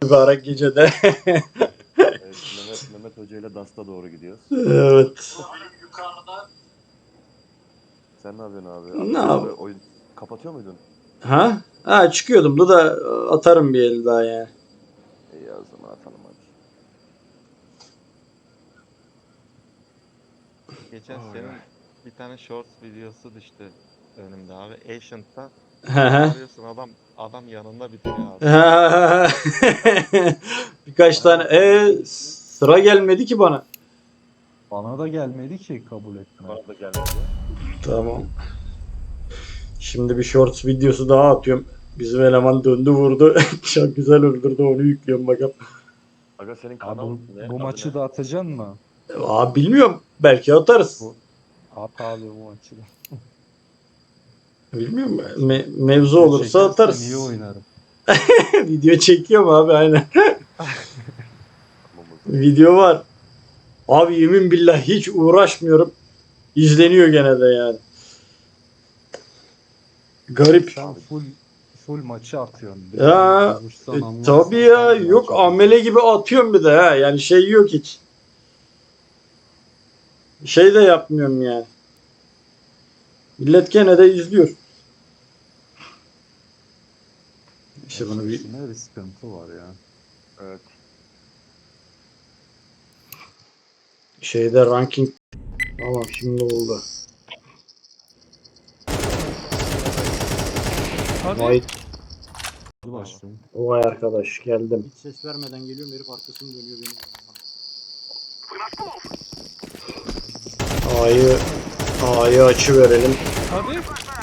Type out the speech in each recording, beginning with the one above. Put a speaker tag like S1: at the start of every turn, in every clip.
S1: Mübarek gecede.
S2: Evet, Mehmet Hoca ile Dast'a doğru gidiyoruz.
S1: Evet.
S2: Sen ne yapıyorsun abi?
S1: Ne
S2: Akşam
S1: yap-
S2: oyun kapatıyor muydun?
S1: Ha? Ha çıkıyordum da atarım bir el daha yani.
S2: İyi o zaman atalım hadi.
S3: Geçen senin bir tane shorts videosu düştü önümde abi. Ancient'ta
S1: Hı hı.
S3: arıyorsun adam yanında bitiyor abi.
S1: Birkaç tane. Sıra gelmedi ki bana.
S4: Bana da gelmedi ki kabul etme.
S2: Bana da gelmedi.
S1: Tamam. Şimdi bir shorts videosu daha atıyorum. Bizim eleman döndü vurdu. Çok güzel öldürdü, onu yüklüyorum bakalım.
S2: Aga senin
S4: Abi
S2: kanal
S4: bu,
S2: ne?
S4: bu
S2: Adı
S4: maçı
S2: ne?
S4: da atacaksın mı?
S1: Bilmiyorum. Belki atarız.
S4: Bu at abi bu maçı da.
S1: Bilmiyorum. Mevzu olursa
S4: Çekersen
S1: atarız.
S4: iyi oynarım.
S1: Video çekiyorum abi, aynen.
S2: Tamam.
S1: Video var. Abi yemin billah hiç uğraşmıyorum. İzleniyor gene de yani. Garip.
S4: Sen full maçı atıyorsun.
S1: Ya
S4: Konuşsan anlarsan
S1: tabii ya,
S4: tam
S1: yok
S4: maç
S1: amele
S4: atacaksın.
S1: gibi atıyorum bir de ha. Yani şey yok hiç. Şey de yapmıyorum yani. Millet gene de izliyor. İşte bunu bir
S4: İşine bir sıkıntı var ya.
S2: Evet.
S1: şeyde ranking. Tamam, şimdi oldu. Vay,
S4: Hadi başlayalım.
S1: vay arkadaş, geldim.
S5: Hiç ses vermeden geliyorum, herif arkasını dönüyor benim.
S1: A'yı açı verelim.
S3: Hadi.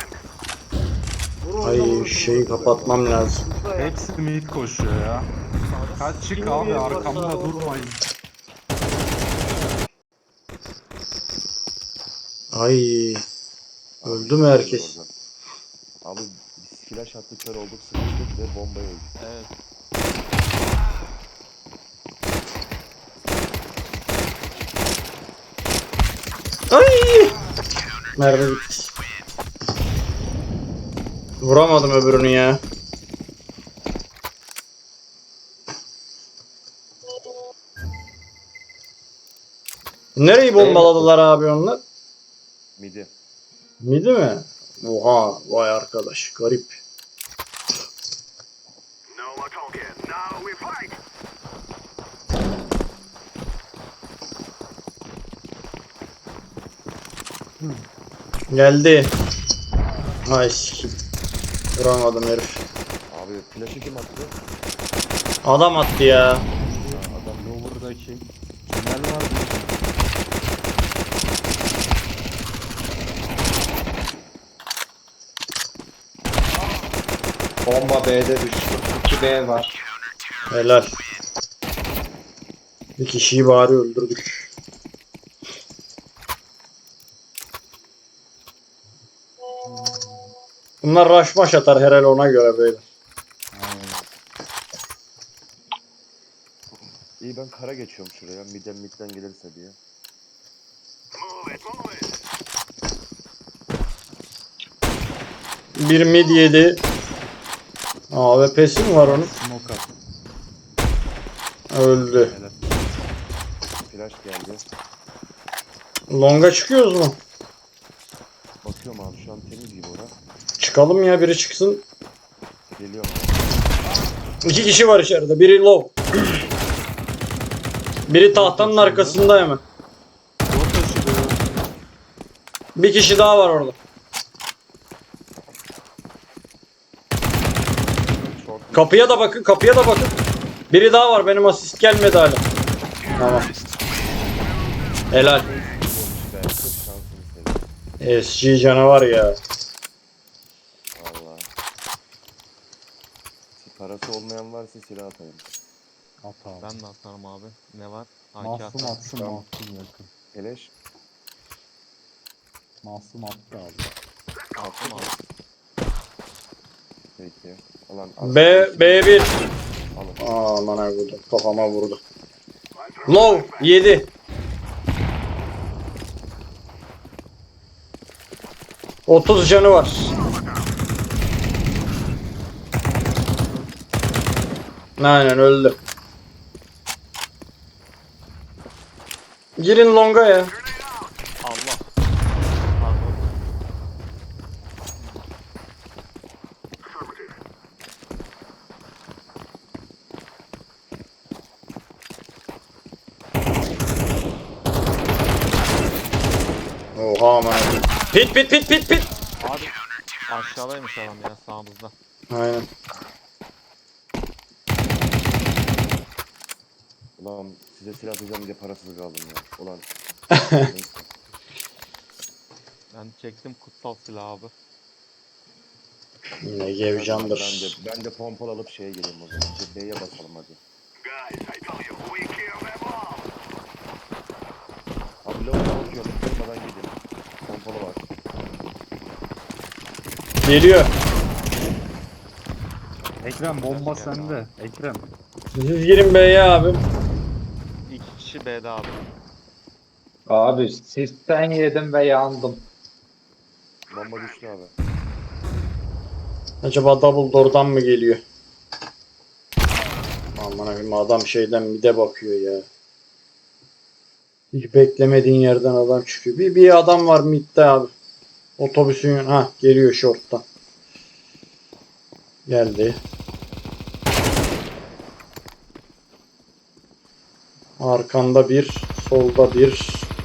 S1: Ay şeyi kapatmam lazım.
S4: Hepsi mid koşuyor ya. Kaç çık abi arkamda durmayın.
S1: Ay öldü mü herkes?
S2: Oradan. Abi biz flash attık, kör olduk, sıkıştık ve bombaya öldük.
S3: Evet.
S1: Ay! Mermi bitti. Vuramadım öbürünü ya. Nereyi bombaladılar abi onlar?
S2: Midi.
S1: Midi mi? Oha, vay arkadaş, garip. Geldi. Ay sikim. Vuramadım herif.
S2: Abi flash'ı kim attı?
S1: Adam attı ya.
S2: Adam
S4: Lower'daki tünel var mı?
S6: Bomba B'de düştü. 2B var.
S1: Helal. Bir kişiyi bari öldürdük. Bunlar rush maş atar herhalde, ona göre böyle.
S2: İyi, ben kara geçiyorum şuraya. Midden gelirse diye.
S1: Bir mid yedi. AWP'si mi var onun?
S4: Smoke at.
S1: Öldü.
S4: Helal.
S2: Flash geldi.
S1: Long'a çıkıyoruz mu?
S2: Bakıyorum abi, şu an temiz gibi ora.
S1: Çıkalım ya, biri çıksın.
S2: Geliyorum.
S1: 2 kişi var içeride. Biri low. Biri tahtanın arkasında hemen.
S4: Bot taşıdı.
S1: Bir kişi daha var orada.
S2: Short
S1: Kapıya da bakın, kapıya da bakın. Biri daha var, benim asist gelmedi hala. Tamam. Helal.
S2: be. Çok şansını seveyim.
S1: SG canavar ya.
S2: Valla. Parası olmayan varsa silah atayım.
S4: At abi.
S3: Ben de atarım abi. Ne var?
S4: Masum
S3: atarım.
S4: atsın
S2: Tamam.
S4: masum yakın.
S2: Keleş.
S4: Masum attı abi.
S3: Attım abi.
S2: Peki. Ulan
S1: B1.
S2: alın.
S1: Aman ay vurdu. Kafama vurdu. Low 7. ...30 canı var. Aynen öldü. Girin longa ya.
S3: Allah. Pardon.
S1: Oha aman. Pit pit pit pit pit.
S3: Abi aşağıdaymış adam ya sağımızda.
S1: Aynen.
S2: Ulan size silah atacağım diye parasız kaldım ya. Ulan. Neyse.
S3: Ben çektim kutsal silahı abi.
S1: Yine gevcandır.
S2: Ben de pompalı alıp şeye geleyim o zaman. B'ye basalım hadi. Abi lavuk bakıyorum. Kırmadan gidin. Pompalı var.
S1: Geliyor.
S4: Ekrem bomba sende. Ekrem.
S1: Siz girin B'ye abi.
S3: 2 kişi B'de abi.
S6: Abi sisten yedim ve yandım.
S2: Bomba düştü abi.
S1: Acaba double door'dan mı geliyor? Aman abim adam şeyden mide bakıyor ya. Hiç beklemediğin yerden adam çıkıyor. Bir adam var midde abi. Otobüsün geliyor short'tan. Geldi. Arkanda bir, solda bir.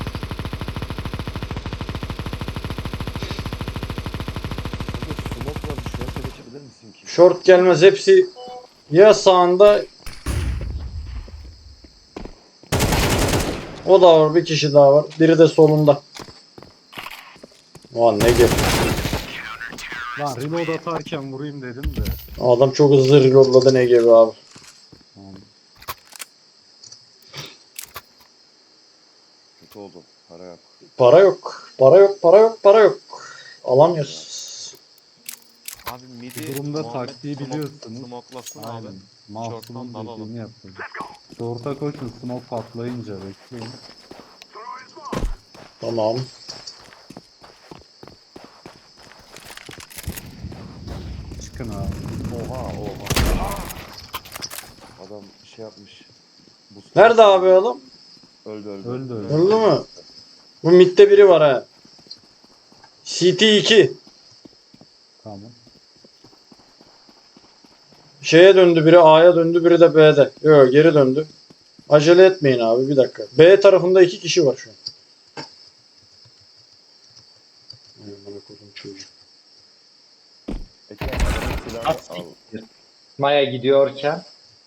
S2: Smoke var. Şuraya geçebilir misin ki?
S1: Short gelmez hepsi ya sağında. O da var, bir kişi daha var. Biri de solunda. Ulan ne gel.
S4: Lan reload atarken vurayım dedim de.
S1: Adam çok hızlı reloadladı ne gibi abi.
S4: Tamam.
S2: Kötü oldu. Para yok.
S1: Para yok. Para yok. Para yok. Para yok. Alamıyoruz.
S3: Abi midi
S4: Bu durumda
S3: Muhammed
S4: taktiği biliyorsunuz.
S3: Smoke'lasın abi.
S4: Aynen. Mahsun'un
S3: Short'tan dalalım.
S4: dediğini yapın. Short'a koşun smoke patlayınca bekleyin.
S1: Tamam.
S4: Çıkın abi.
S2: Oha. Adam şey yapmış. Boost
S1: Nerede abi adam?
S2: Öldü.
S4: Öldü.
S1: Öldü mü? Bu midde biri var ha. CT2.
S4: Tamam.
S1: Şeye döndü biri, A'ya döndü, biri de B'de. Yok, geri döndü. Acele etmeyin abi, bir dakika. B tarafında 2 kişi var şu an. Bana koydum çocuk.
S2: Ekrem adamın silahını al.
S6: Maya gidiyorken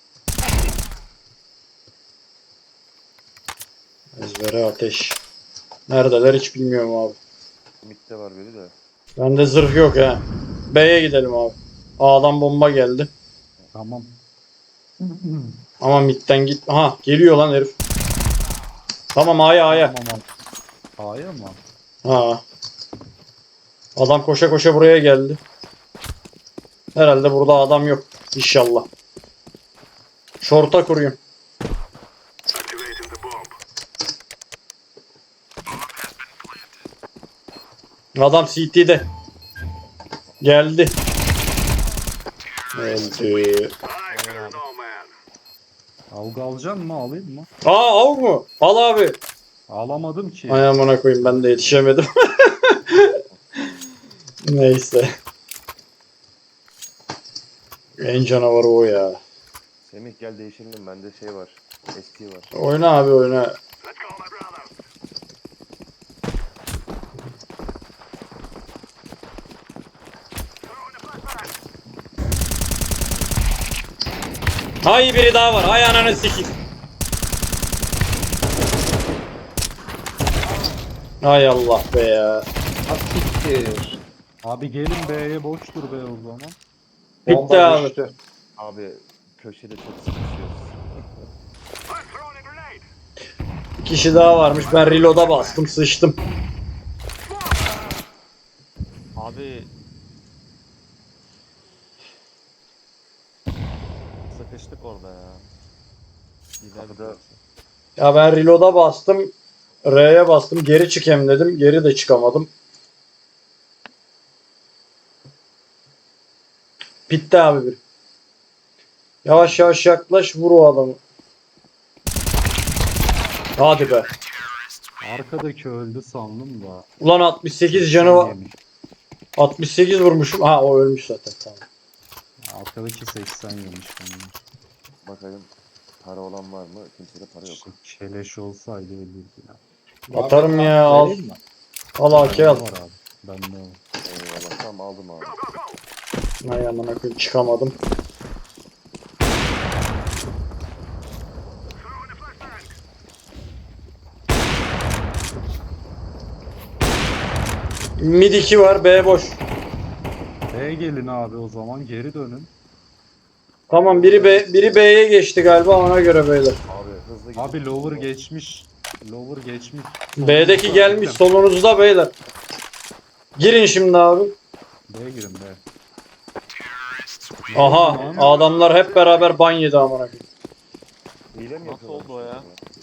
S1: Ezbere ateş. Neredeler hiç bilmiyorum abi.
S2: Mid'de var biri de.
S1: Bende zırh yok ha. B'ye gidelim abi. A'dan bomba geldi.
S4: Tamam.
S1: Ama midden git. Aha geliyor lan herif. Tamam A'ya.
S4: Tamam. A'ya mı?
S1: Ha. Adam koşa koşa buraya geldi. Herhalde burada adam yok. İnşallah. Şorta kuruyum. Adam CT'de. Geldi. Öldü.
S4: Avga alacaksın mı? Alayım mı?
S1: Aa av mu? Al abi.
S4: Alamadım ki.
S1: Ay amına koyayım, ben de yetişemedim. Neyse. En canavarı o ya.
S2: Semih gel değişelim. Bende şey var. ST var.
S1: Oyna abi oyna. Hay biri daha var. Hay ananı sikeyim. Hay Allah be ya.
S6: asiktir.
S4: Abi gelin B'ye boştur B o zaman.
S1: Bitti
S6: Bomba
S1: abi.
S6: düştü.
S2: Abi köşede çok sıkışıyoruz.
S1: Bir kişi daha varmış. Ben reload'a bastım. Sıçtım.
S3: Abi sıkıştık orada ya. Gidelim.
S2: Kapıda-
S1: Ya ben reload'a bastım. R'ye bastım. Geri çıkayım dedim. Geri de çıkamadım. Bitti abi bir. Yavaş yavaş yaklaş, vur o adamı. Hadi be.
S4: Arkadaki öldü sandım da.
S1: Ulan 68 canı var.
S4: Yemiş.
S1: 68 vurmuşum. Ha o ölmüş zaten, tamam.
S4: Arkadaki 80 yemiş beni.
S2: Bakayım para olan var mı? Kimsede para yok.
S4: Şu keleş olsaydı ölürdü ya.
S1: Atarım ya, al.
S6: Vereyim mi?
S1: Al AK al.
S4: Bende var abi. Bende var.
S2: Eyvallah tamam aldım abi.
S1: Ay amına koyayım, çıkamadım. Mid 2 var, B boş.
S4: B'ye gelin abi o zaman geri dönün.
S1: Tamam, biri B'ye geçti galiba, ona göre beyler.
S2: Abi hızlı gidin.
S4: Abi lower geçmiş. Lower geçmiş.
S1: B'deki gelmiş solunuzda beyler. Girin şimdi abi.
S4: B'ye girin B.
S1: Aha, adamlar hep beraber ban yedi amına koyayım.
S2: Hile mi
S3: Nasıl
S2: yapıyorlar?
S3: oldu o ya?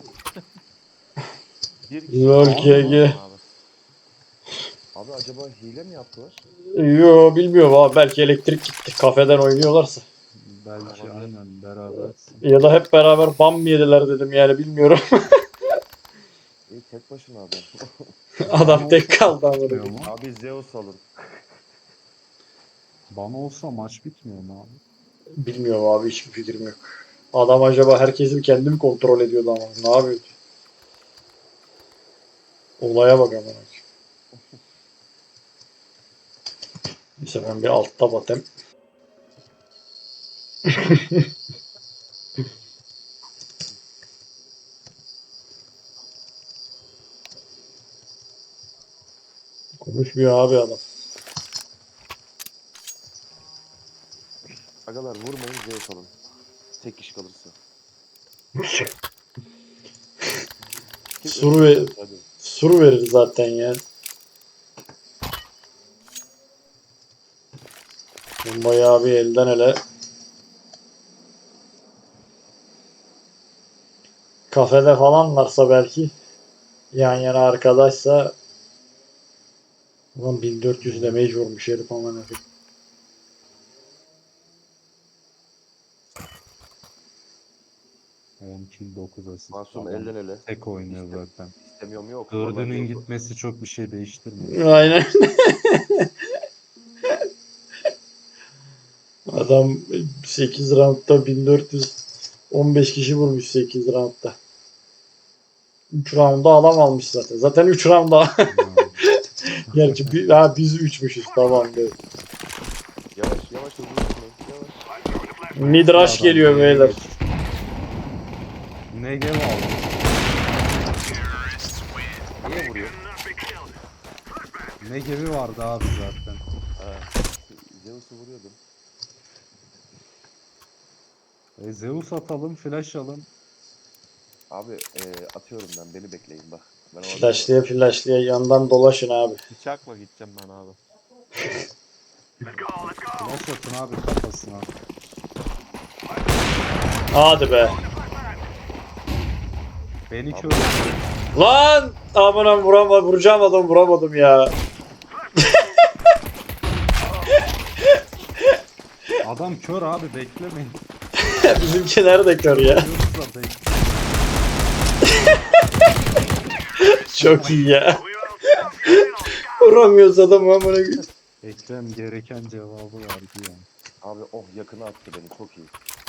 S3: Bir
S1: Lol
S3: kişi
S1: GG.
S3: abi.
S2: Abi acaba hile mi yaptılar?
S1: Yo, bilmiyorum abi, belki elektrik gitti kafeden oynuyorlarsa.
S4: Belki aynen beraber.
S1: Ya da hep beraber ban mı yediler dedim, yani bilmiyorum.
S2: İyi tek başına adam.
S1: Adam tek kaldı amına
S4: Bitmiyor
S1: koyayım.
S4: mu?
S2: Abi Zeus alın.
S4: Bana olsa maç bitmiyor mu abi?
S1: Bilmiyorum abi, hiçbir fikrim yok. Adam acaba herkesi kendi mi kontrol ediyordu ama ne yapıyordu? Olaya bak amına koyayım. Neyse ben bir altta batayım. Konuşmuyor abi adam.
S2: Agalar vurmayın Zeus alın. Tek kişi kalırsa.
S1: Sur ve
S2: Hadi.
S1: sur verir zaten ya. Bayağı bir elden ele. Kafede falan varsa belki, yan yana arkadaşsa. Ulan 1400 damage vurmuş herif aman herif.
S4: On kill 9 asist.
S2: Masum
S4: Adam
S2: elden ele.
S4: tek oynuyor zaten.
S2: İstemiyorum yok.
S4: Dördünün
S2: Vallahi
S4: gitmesi çok bir şey değiştirmiyor.
S1: Aynen. Adam 8 roundda 1415 kişi vurmuş 8 roundda. 3 roundda alam almış zaten. Zaten 3 roundda. Gerçi biz 3'müşüz, tamam. Evet.
S2: Yavaş yavaş hızlı gitmeyin. Yavaş.
S1: Midrash geliyor beyler.
S4: Negev aldı.
S2: Niye vuruyor?
S4: Negev'i vardı abi zaten.
S2: Ha. Zeus'u vuruyordum.
S4: Zeus atalım, flash alın.
S2: Abi atıyorum ben. Beni bekleyin bak. Ben orada-
S1: Flashlıya yandan dolaşın abi.
S3: Bıçakla gideceğim ben abi.
S4: Flash atın abi kafasına.
S1: Hadi be.
S4: Beni kör
S1: Lan! Amına vuracağım adam, vuramadım ya.
S4: Adam kör abi beklemeyin.
S1: Bizimkiler de kör ya.
S4: Yoksa bekle.
S1: Çok iyi ya. Vuramıyoruz adamı amına koyayım.
S4: Ekrem gereken cevabı verdi yani.
S2: Abi oh yakına attı beni. Çok iyi.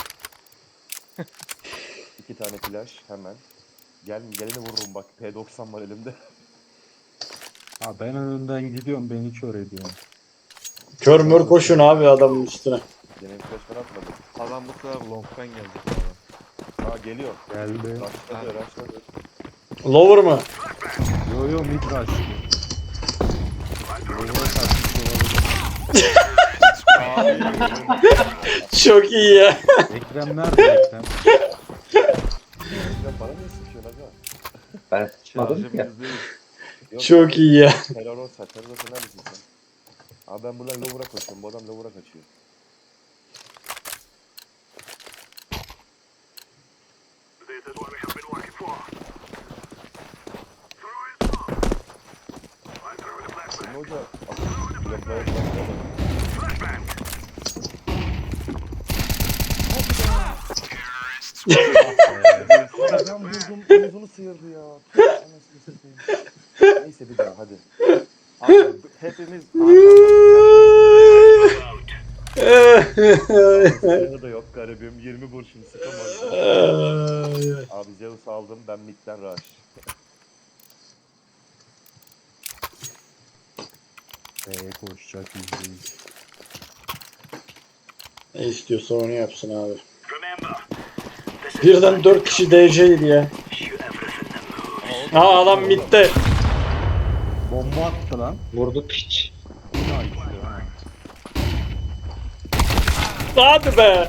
S2: 2 tane flash hemen. Geleni vururum bak. P90 var elimde.
S4: Ha ben önünden gidiyorum beni kör ediyor.
S1: Kör mör koşun abi adamın üstüne.
S2: Gene flash ben atmadım.
S3: Adam bu sefer long'dan gelecek abi.
S2: Ha geliyor.
S4: Geldi.
S2: Rushladı rushladı.
S1: Lower mı?
S4: Yo yo mid rush. Lower'a kaçmış olabilir.
S1: Çok iyi ya.
S4: Ekrem nerede Ekrem?
S2: Sen bana niye sıkıyorsun aga?
S6: Ben tutmadım
S3: Şarjım
S6: ya.
S3: %100.
S2: Yok,
S1: Çok iyi ya.
S2: Terrorosa neredesin sen? Abi ben buradan lower'a koşuyorum. Bu adam lower'a kaçıyor. Senin hoca bloklara çalışıyor. Ben vurdum, omuzunu sıyırdı ya. Anasını satayım. Neyse bir daha hadi.
S3: Abi hepimiz
S2: Sıyırı da yok garibim. 20 kurşun sıkamaz.
S1: Ay, ay.
S2: Abi Zeus aldım, ben midden rush.
S4: B'ye koşacak %100.
S1: Ne istiyorsa onu yapsın abi. Birden 4 kişi DC'ydi ya. Aa adam midde.
S4: Bomba attı lan.
S6: Vurdu piç.
S1: Hadi be.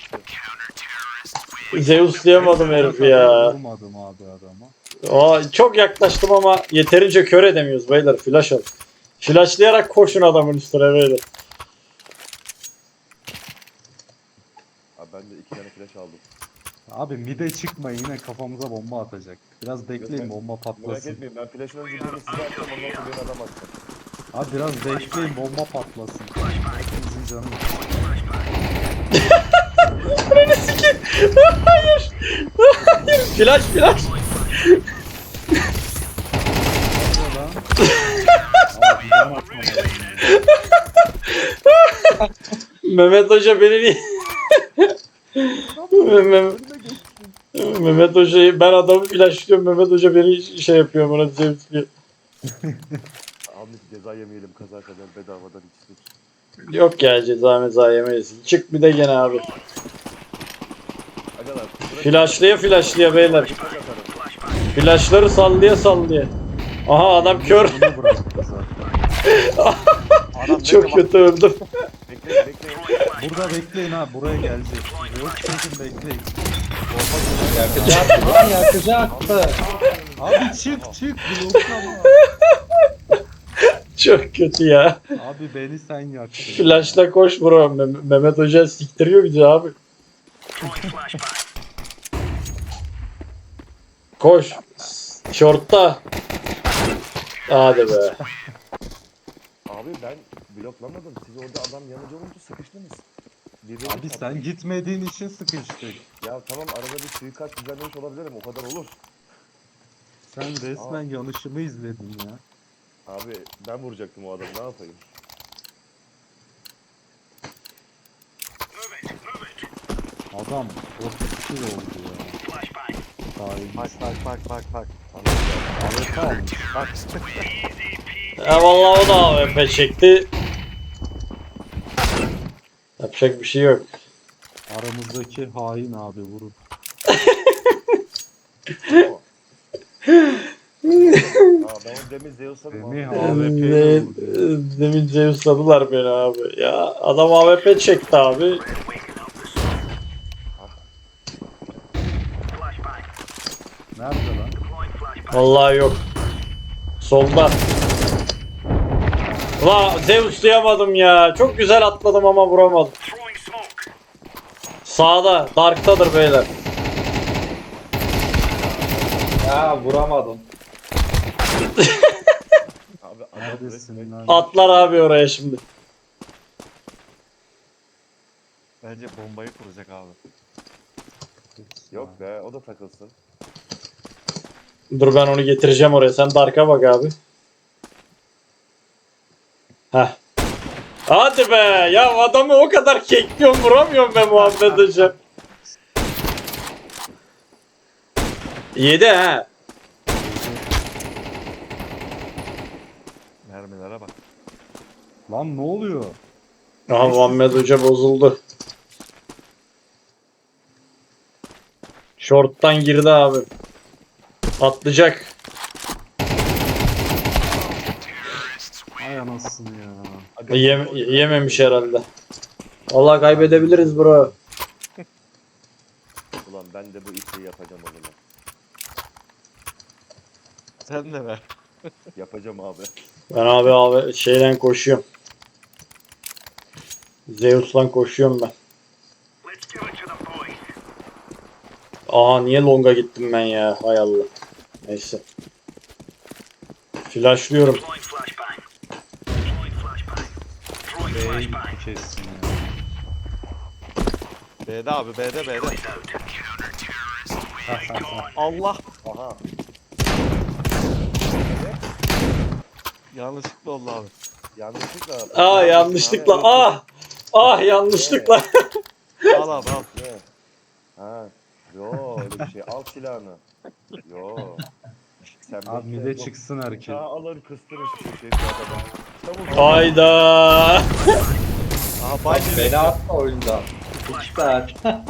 S1: Zeus diyemedim herif ya.
S4: Vurmadım abi adama.
S1: Aa, çok yaklaştım ama yeterince kör edemiyoruz beyler. Flash al. Flashlayarak koşun adamın üstüne beyler.
S2: Abi ben de 2 tane flash aldım.
S4: Abi mide çıkmayın, yine kafamıza bomba atacak. Biraz bekleyin, bomba
S2: Merak
S4: patlasın.
S2: etmeyin, ben flash'ın önce birini size attım, ondan sonra beni adam attım.
S4: Abi biraz bekleyin, bomba patlasın. Hepimizin canı.
S1: Beni sikeyim. Hayır. Hayır. Flash.
S4: Abi ben atmadım.
S1: Mehmet Hoca beni niye... Mehmet Hoca'yı ben adamı flashlıyorum. Mehmet Hoca beni şey yapıyor bana zevkliyor.
S2: Abi ceza yemeyelim, kaza kadar bedavadan içtik.
S1: Yok ya ceza meza yemeyiz. Çık bir de gene abi.
S2: Agalar,
S1: Flashlıya beyler. Flashları sallaya. Aha adam kör.
S4: Bunu bıraktı zaten.
S3: adam
S1: Çok kötü öldüm.
S2: bekleyin.
S4: Burada bekleyin ha, buraya gelecek. Yok çekin bekleyin.
S6: Yakacaktı.
S4: Abi çık bloklama.
S1: Çok kötü ya.
S4: Abi beni sen yaktın.
S1: Flash'la koş bro. Mehmet Hoca siktiriyor bizi abi. Koş. Short'ta. Hadi be.
S2: Abi ben bloklamadım, siz orada adam yanıcı olunca sıkıştınız. Birbirine
S4: Abi
S2: çarptınız.
S4: sen gitmediğin için sıkıştık.
S2: Ya tamam, arada bir suikast düzenlemiş olabilirim, o kadar olur.
S4: Sen resmen yanışımı izledin ya.
S2: Abi ben vuracaktım o adamı, ne yapayım?
S4: Adam 32 oldu ya.
S3: Bak.
S4: AWP almış.
S3: Bak.
S1: Ya vallahi o da AWP çekti. Yapacak bir şey yok.
S4: Aramızdaki hain abi vurun.
S2: Aa, ben o demin Zeus'a
S4: Semih
S2: abi.
S4: AWP'yle vurdu.
S1: Demin Zeus'ladılar beni abi. Ya adam AWP çekti abi.
S4: Nerede lan?
S1: Vallahi yok. Solda. La Zeus duyamadım ya. Çok güzel atladım ama vuramadım. Sağda. Dark'tadır beyler.
S6: Ya vuramadım.
S2: Abi adam
S4: Neredesin
S2: resmen-
S4: lan?
S1: Atlar abi oraya şimdi.
S3: Bence bombayı kuracak abi.
S2: Yok be, o da takılsın.
S1: Dur ben onu getireceğim oraya. Sen Dark'a bak abi. Heh. Hadi be. Ya adamı o kadar kekliyorum vuramıyorum be Muhammed Hocam. Yedi ha.
S3: Mermilere bak.
S4: Lan ne oluyor?
S1: Aha Muhammed Hoca bozuldu. Short'tan girdi abi. Atlayacak.
S4: Ay anasını ya.
S1: Yememiş herhalde. Vallahi kaybedebiliriz bro.
S2: Ulan ben de bu işi yapacağım o zaman.
S3: Sen de ver.
S2: Yapacağım abi.
S1: Ben abi şeyden koşuyorum. Zeus'lan koşuyorum ben. Aa niye long'a gittim ben ya? Hay Allah. Neyse. Flashlıyorum.
S4: B'ye gitti kesin ya.
S3: B'de abi B'de. Allah!
S2: Aha.
S3: Yanlışlıkla oldu abi.
S2: Yanlışlıkla.
S1: Yanlışlıkla. Yanlışlıkla.
S3: Al abi al.
S2: Ne? Ha. Yo öyle bir şey. Al silahını. Yo. Sen
S4: Abi
S2: bekle,
S4: mide
S2: bu
S4: çıksın herkes.
S2: Bıçağı alır kıstırır şu şey adama. Çabuk.
S1: Hayda.
S3: Aha bay
S6: Beni atma oyundan. İki saat.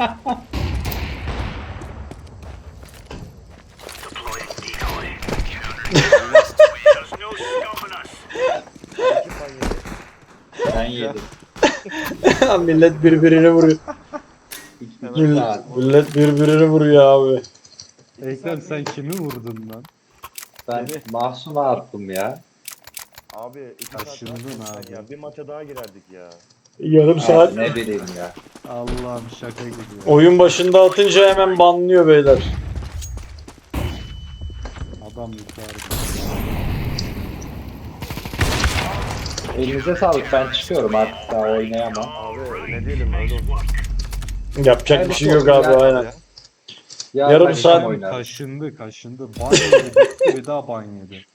S2: Kim ban yedi?
S6: Ben yedim.
S1: Millet birbirini vuruyor.
S6: İki
S1: Millet,
S6: saat.
S1: millet birbirini vuruyor abi.
S4: Ekrem sen kimi vurdun lan?
S6: Ben Mahsun'a attım ya.
S2: Abi 2 saat
S4: Taşındın
S2: daha
S4: abi.
S2: ya. Bir maça daha girerdik ya.
S1: Yarım saat.
S6: Abi ne bileyim ya.
S4: Allah'ım şaka gibi.
S1: Oyun başında atınca hemen banlıyor beyler.
S4: Adam yukarıda.
S6: Elinize sağlık, ben çıkıyorum artık, daha oynayamam.
S2: Abi ne diyelim öyle olsun.
S1: Yapacak bir şey yok abi aynen.
S6: Ya
S1: Yarım
S6: ben
S1: saat-
S6: kim oynar?
S4: Kaşındı. Ban yedi. Bir daha ban yedi.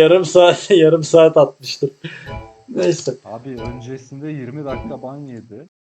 S1: Yarım saat atmıştır. Neyse.
S4: Abi öncesinde 20 dakika ban yedi.